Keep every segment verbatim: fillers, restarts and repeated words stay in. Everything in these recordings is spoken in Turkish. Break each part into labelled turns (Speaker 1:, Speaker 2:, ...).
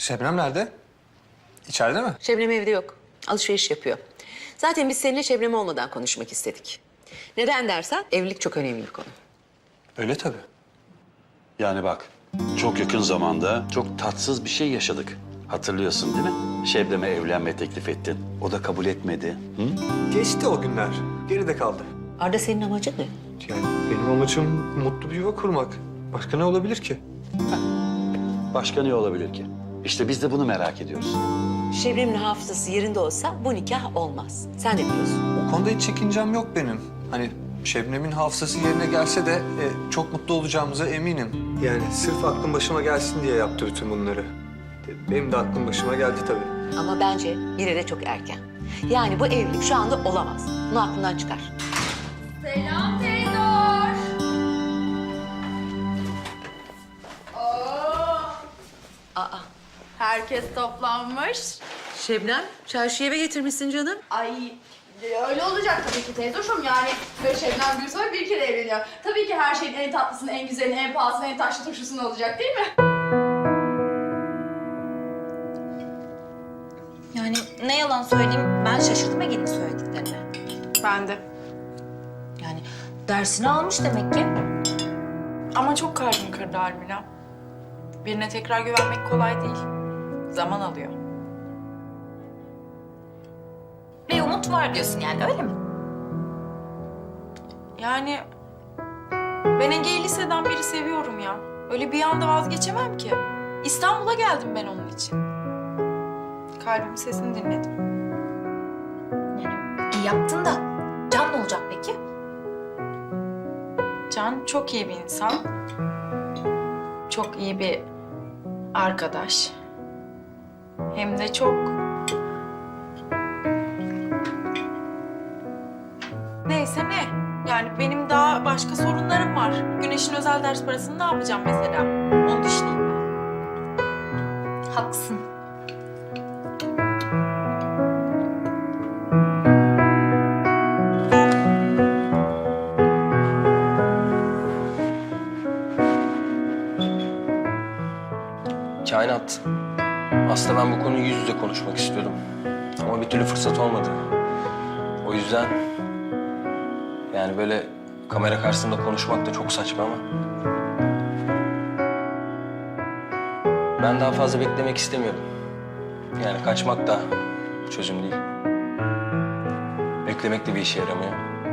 Speaker 1: Şebnem nerede? İçeride mi?
Speaker 2: Şebnem evde yok. Alışveriş yapıyor. Zaten biz seninle Şebnem olmadan konuşmak istedik. Neden dersen evlilik çok önemli bir konu.
Speaker 1: Öyle tabii.
Speaker 3: Yani bak, çok yakın zamanda çok tatsız bir şey yaşadık. Hatırlıyorsun değil mi? Şebnem'e evlenme teklif ettin. O da kabul etmedi. Hı?
Speaker 1: Geçti o günler. Geride kaldı.
Speaker 2: Arda senin amacın ne?
Speaker 1: Yani benim amacım mutlu bir yuva kurmak. Başka ne olabilir ki?
Speaker 3: Başka ne olabilir ki? İşte biz de bunu merak ediyoruz.
Speaker 2: Şebnem'in hafızası yerinde olsa bu nikah olmaz. Sen de biliyorsun.
Speaker 1: O konuda hiç çekincem yok benim. Hani Şebnem'in hafızası yerine gelse de e, çok mutlu olacağımıza eminim. Yani sırf aklım başıma gelsin diye yaptı bütün bunları. Benim de aklım başıma geldi tabii.
Speaker 2: Ama bence yine de çok erken. Yani bu evlilik şu anda olamaz. Bunu aklından çıkar.
Speaker 4: Selam teyzor. Oo,
Speaker 2: Aa,
Speaker 4: herkes toplanmış.
Speaker 2: Şebnem, çarşı eve getirmişsin canım.
Speaker 4: Ay öyle olacak tabii ki teyzoşum yani. Böyle Şebnem Gülsoy bir kere evleniyor. Tabii ki her şeyin en tatlısını, en güzelini, en pahalısını, en taşlı turşusunu olacak değil mi?
Speaker 5: Yani ne yalan söyleyeyim, ben şaşırdım Ege'nin söylediklerine.
Speaker 4: Ben de.
Speaker 5: Yani dersini almış demek ki.
Speaker 6: Ama çok kalbim kırdı Almila. Birine tekrar güvenmek kolay değil. Zaman alıyor.
Speaker 5: Ve umut var diyorsun yani, öyle mi?
Speaker 6: Yani ben Ege'yi liseden beri seviyorum ya. Öyle bir anda vazgeçemem ki. İstanbul'a geldim ben onun için. Kalbimin sesini dinledim.
Speaker 5: Yani iyi yaptın da Can ne olacak peki?
Speaker 6: Can çok iyi bir insan. Çok iyi bir arkadaş. Hem de çok... Neyse ne? Yani benim daha başka sorunlarım var. Güneş'in özel ders parasını ne yapacağım mesela? Onu düşüneyim ben.
Speaker 5: Haklısın.
Speaker 7: Kainat. Aslında ben bu konuyu yüz yüze konuşmak istiyordum. Ama bir türlü fırsat olmadı. O yüzden... Yani böyle kamera karşısında konuşmak da çok saçma ama... Ben daha fazla beklemek istemiyorum. Yani kaçmak da çözüm değil. Beklemek de bir işe yaramıyor.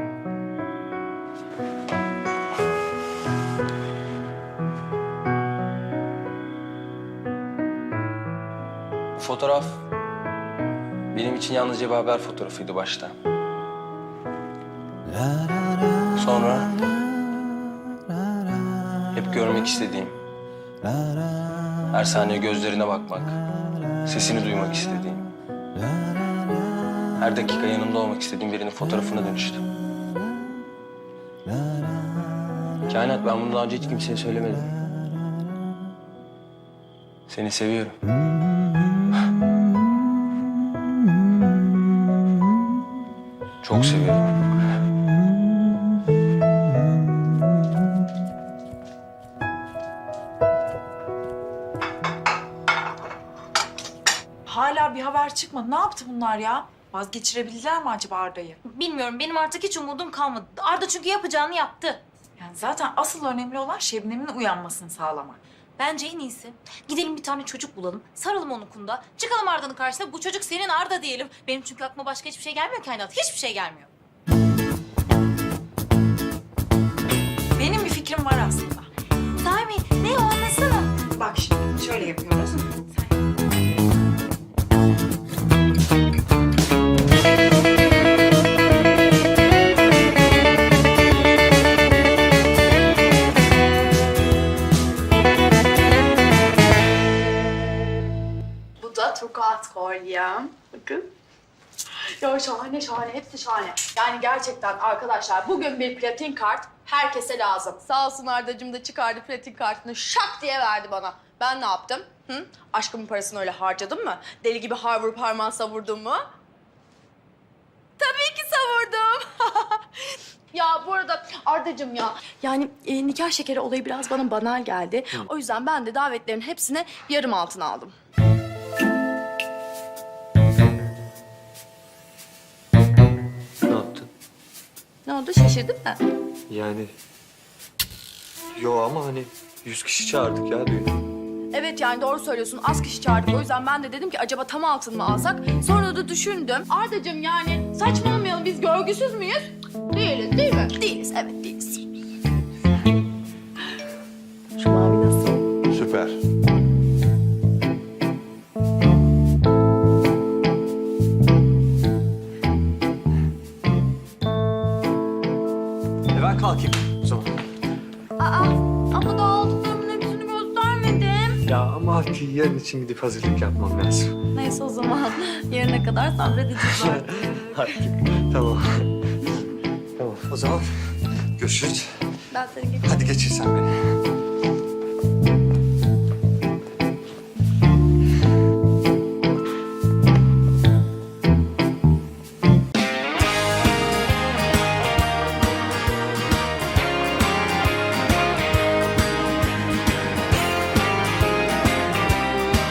Speaker 7: Bu fotoğraf benim için yalnızca bir haber fotoğrafıydı başta. Sonra hep görmek istediğim, her saniye gözlerine bakmak, sesini duymak istediğim, her dakika yanımda olmak istediğim birinin fotoğrafına dönüştü. Kainat, ben bunu daha önce hiç kimseye söylemedim. Seni seviyorum. Çok seviyorum.
Speaker 6: Hala bir haber çıkmadı. Ne yaptı bunlar ya? Vazgeçirebildiler mi acaba Arda'yı?
Speaker 5: Bilmiyorum, benim artık hiç umudum kalmadı. Arda çünkü yapacağını yaptı.
Speaker 6: Yani zaten asıl önemli olan Şebnem'in uyanmasını sağlamak.
Speaker 5: Bence en iyisi gidelim bir tane çocuk bulalım, saralım onun kunda, çıkalım Arda'nın karşısına, bu çocuk senin Arda diyelim. Benim çünkü aklıma başka hiçbir şey gelmiyor Kainat, hiçbir şey gelmiyor.
Speaker 6: Benim bir fikrim var aslında.
Speaker 5: Sahi mi? Ne o, anlatsana.
Speaker 6: Bak şimdi şöyle yapıyoruz.
Speaker 4: Bu da tokat kolyem. Bakın. Ya şahane şahane, hepsi şahane. Yani gerçekten arkadaşlar bugün bir platin kart herkese lazım. Sağ olsun Ardacığım da çıkardı platin kartını şak diye verdi bana. Ben ne yaptım? Hı? Aşkımın parasını öyle harcadım mı? Deli gibi har vurup harman savurdum mu? Tabii ki savurdum. Ya bu arada Ardacığım ya, yani e, nikah şekeri olayı biraz bana banal geldi. O yüzden ben de davetlerin hepsine yarım altın aldım. oldu? Şaşırdın mı?
Speaker 1: Yani... Yo ama hani yüz kişi çağırdık ya düğüne.
Speaker 4: Evet yani doğru söylüyorsun. Az kişi çağırdık. O yüzden ben de dedim ki acaba tam altın mı alsak? Sonra da düşündüm. Ardacığım yani saçmalamayalım. Biz görgüsüz müyüz? Değiliz değil mi? Değiliz. Evet değiliz.
Speaker 2: Şu mavi nasıl?
Speaker 3: Süper.
Speaker 1: E ben kalkayım o zaman.
Speaker 4: Aa ama daha aldıklarımın hepsini göstermedim.
Speaker 1: Ya ama yarın için gidip hazırlık yapmam lazım.
Speaker 4: Neyse o zaman yarına kadar sabredeceğiz artık.
Speaker 1: Hadi. Tamam. Tamam. O zaman görüşürüz.
Speaker 4: Ben seni geçeyim.
Speaker 1: Hadi geçir sen beni.